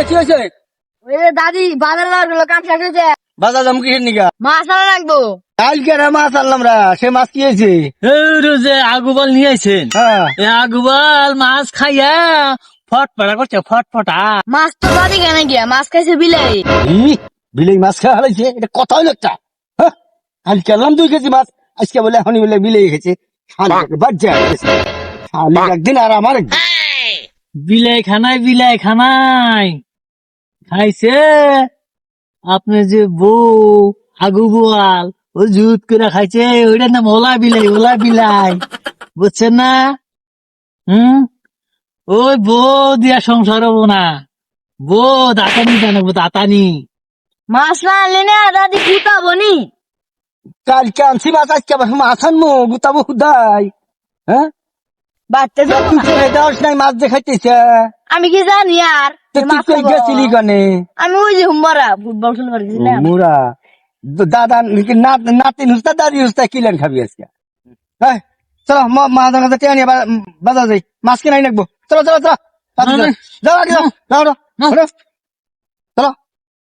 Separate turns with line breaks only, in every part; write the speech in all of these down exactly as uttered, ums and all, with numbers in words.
কি হয়েছে?
ওই যে দাদি বাজারে যাওয়ার গুলো কাম শেষ হয়েছে।
বাজার দাম কিসের নিকা?
মাছ আনা লাগবো।
কালকে না মাছ আনলাম রা, সে মাছ কি হয়েছে?
যে আগুবাল নিয়ে আইছেন,
হ্যাঁ
এ আগুবাল মাছ খাইয়া ফটফটা করছে, ফটফটা।
মাছ তো দাদি কেন গিয়া মাছ খাইছে বিলাই।
ই, বিলেই মাছ খাওয়া হয়েছে, এটা কথা হলো একটা। হ্যাঁ, কালকে আনলাম দুই কেজি মাছ, আজকে বলে এখনই বলে বিলেই খেয়েছে। বাচ্চা শালি একদিন আর আমার একদিন।
বিলাই খানায় বিলাই খানায় খাইছে আপনি যে বউ আগু বোয়াল ও জুত করে খাইছে, ওইটার নাম ওলা বিলাই, ওলা বিলাই, বুঝছেন না? হুম, ওই বউ দিয়া সংসার হবো না, বউ দাতানি জানাবো, দাতানি।
মাছ না আনলে না দাদি গুতাবো নি।
কালকে আনছি মাছ, আজকে আবার মাছ আনবো, গুতাবো খুদাই। হ্যাঁ,
বাড়তে যাবো
তুই
না।
ছেড়ে দেওয়াস নাই মাছ দেখাইতেছে।
আমি কি জানি আর
তো
যে
তুই
মাছ
কই
খাবো।
গেছিলি কানে?
আমি ওই যে হুম্বরা ফুটবল খেলবার গেছিলাম।
মুরা দাদা নাতি নুস্তা দাদি নুস্তা কিলেন খাবি আজকে? হ্যাঁ, চলো মা দাদা কাছে টেনে বাজার যাই, মাছ কিনাই নাকবো। চলো চলো চলো, তাড়াতাড়ি যাও, যাও আগে যাও, যাও, যাও, যাও, চলো।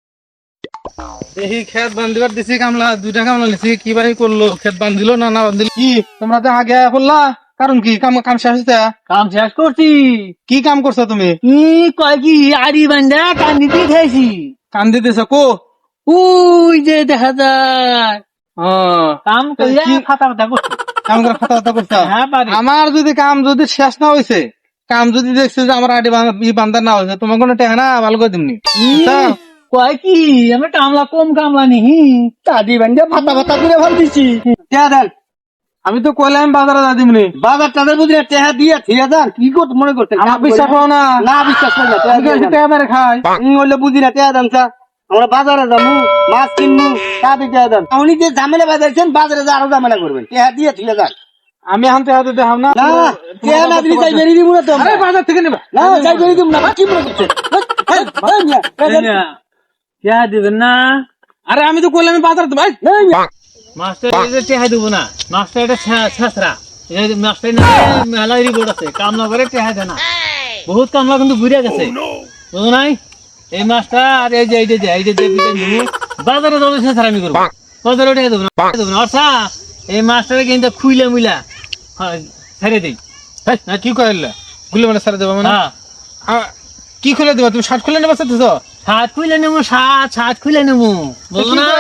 দেখি খেত বান্ধিবার দিছি কামলা, দুইটা কামলা নিছি, কি বাহি করলো, খেত বান্ধিলো না না বান্ধিল কি? তোমরা তো আগে করলা, কারণ কি কাম কাম শেষ হয়েছে?
কাম শেষ করছি।
কি কাম করছো তুমি?
ই কয় কি আড়ি বান্ধা কান্দি দিয়ে খাইছি।
কাম দিতেছ কো?
ওই যে দেখা যায়
হ্যাঁ,
কাম করিয়া
কি-
ফাতা ফাতা করছি।
কাম করে কথা কথা করছো।
হ্যাঁ পারি।
আমার যদি কাম যদি শেষ না হয়েছে, কাম যদি দেখছে যে আমার আডি বান্ধা না হয়েছে, তোমার কোনো টেহা না ভালো করে দিমনি।
ই, কয় কি আমি কামলা কম কামলা নিহি।
দাদি বান্ধে ফাতা ফাতা করে ভাল দিছি। টেহা দেন,
আমি তো কইলাম বাজারে যা দিমনি।
বাজার টাজার বুঝলি টেহা দিয়ে ঠিক আছে। কি করতে মনে করতেন?
আমার বিশ্বাস করো না,
না বিশ্বাস করি না, টেহা
আমি
দিয়ে
কি
দেন।
টেহা মেরে খাই?
হুম, হইলে বুঝি না, টেহা দেন চা। আমরা বাজারে যাবো, মাছ কিনবো, তাতে টেহা দেন। উনি যে ঝামেলা বাজাইছেন, বাজারে যা আরো ঝামেলা করবেন। টেহা দিয়ে ঠিক আছে।
আমি এখন টেহা দিতে হাম না।
না, টেহা না দিলে যাই বেরিয়ে দিব না তো আমরা।
আরে বাজার থেকে নেবা।
না, যাই বেরিয়ে দিব না, কি মনে করছেন? এই, এই মিয়া, এই দেন।
টেহা দিবেন না?
আরে আমি তো কইলাম আমি বাজারে ভাই।
এই মিয়া।
মাস্টার এটা টেহা দিব না, মাস্টার এটা ছেঁচড়া। মাস্টার না মেলা রিপোর্ট আছে, কামলা করে টেহা দেয় না। বহুত কামলা কিন্তু ঘুরে গেছে, বুঝো নাই? এই মাস্টার আর এই যে এই যে এই যে বাজারে যাবো ছেঁচড়া আমি করবো, বাজারে টেহা দেবো না, দেবো না। অর্থা এই মাস্টারে কিন্তু খুইলা মুইলা ছেড়ে দিই।
না কি কইলা? গুলি মানে সারা দেবা মানে?
হ্যাঁ,
আ, কি খুলে দেবা? তুমি শার্ট খুলে নেবা চাইতেছ?
সাত খুইলে নেবো, সাত সাত খুইলে নেবো, বুঝো না?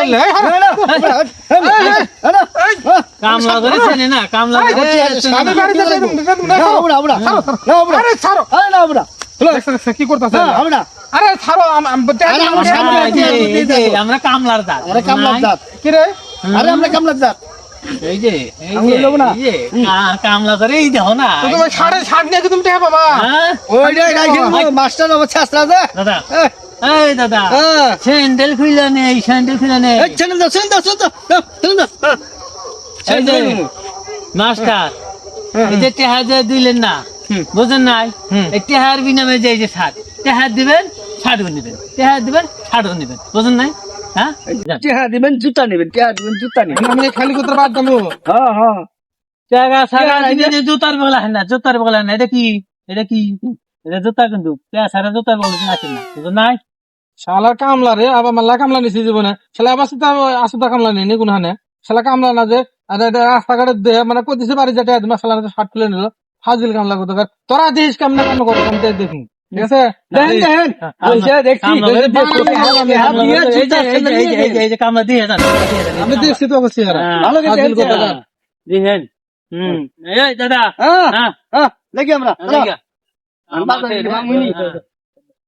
কামলা করে চেনে না, কামলা করে চেনে
আমি
না।
বাড়িতে যাই তুমি দেখাবো না।
না, আমরা, আমরা, না, আমরা।
আরে ছাড়ো।
আরে না, আমরা।
দেখছ দেখছ কি করতাছ?
না, আমরা।
আরে ছাড়ো আম- আম- টেহা
আরে
দিও
আমার
না।
সামনে
এই যে, এই যে, আমরা কামলার জাত,
আমরা কামলার জাত।
কি রে?
আরে আমরা কামলার জাত।
এই যে এই
আমি
যে
লব না।
এই যে কা- কামলা করে এই দেখো না।
তো তোমার সাড়ে সাত নিয়ে কি তুমি টেহা পাবা?
হ্যাঁ?
ওইটাই গাইছেন মাস্টার আমার ছাত্রা যে।
দাদা,
এই,
এই দাদা,
হ্যাঁ।
স্যান্ডেল খুইলা নেই, স্যান্ডেল খুইলা নেই।
এই, ছেড়ে দাও, ছেড়ে দাও, ছেড়ে দাও, দাও, ছেড়ে দাও। হ্যাঁ।
এই যে মাস্টার, এই যে টেহা যে দিলেন না, বুঝেন নাই? এই টেহার বিনামে যে এই যে ছাড়, টেহার দিবেন, ছাড়ও নিবেন, টেহার দিবেন, ছাড়ও নিবেন, বুঝেন নাই? হ্যাঁ,
টেহা দিবেন, জুতা নেবেন, টেহা দিবেন, জুতা নেবেন।
আমি খালি করতে বাদ দেবো।
হ্যাঁ, হ্যাঁ।
টাকা সারা
টেহা
দিনে যে জুতার বগলা হয় না, জুতার বগলা হয় না, এটা কি? এটা কি? এটা জুতা কিন্তু টাকা সারা জুতার বগলা আছে না, বুঝেন নাই?
শালার কামলা রে, আবার মাল্লা কামলা নিছি জীবনে। শালা আবার সুতা আসুতা কামলা নেই কোন হানে। শালা কামলা না যে আর এটা রাস্তাঘাটে দে মানে কইতেছে বাড়ি যেটা তোমার শালা শার্ট খুলে নিল, ফাজিল কামলা করতে পারে। তোরা দেশ কামনা কাম করো, আমি তাই দেখি। ঠিক আছে?
দেন, দেন। বলছে, দেখছি,
কামলা
বলছে,
করে
দেখছি,
দিয়ে-
হাত দিয়ে, হাত দিয়ে,
এই যে-
জুতা,
এই যে- এই যে- এই যে- এই যে কামলা দিয়ে যান, দিয়ে যান,
আমি দেখছি তো অবশ্যই এরা।
হ্যাঁ,
ভালো গেছে,
ফাজিল কথা
হ্যাঁ।
বলে।
দিহেন। হুম, এই দাদা,
হ্যাঁ,
হ্যাঁ,
হ্যাঁ, দেখি আমরা।
দেখি।
আমরা বাজারে গেলাম, উনি।
হ্যাঁ।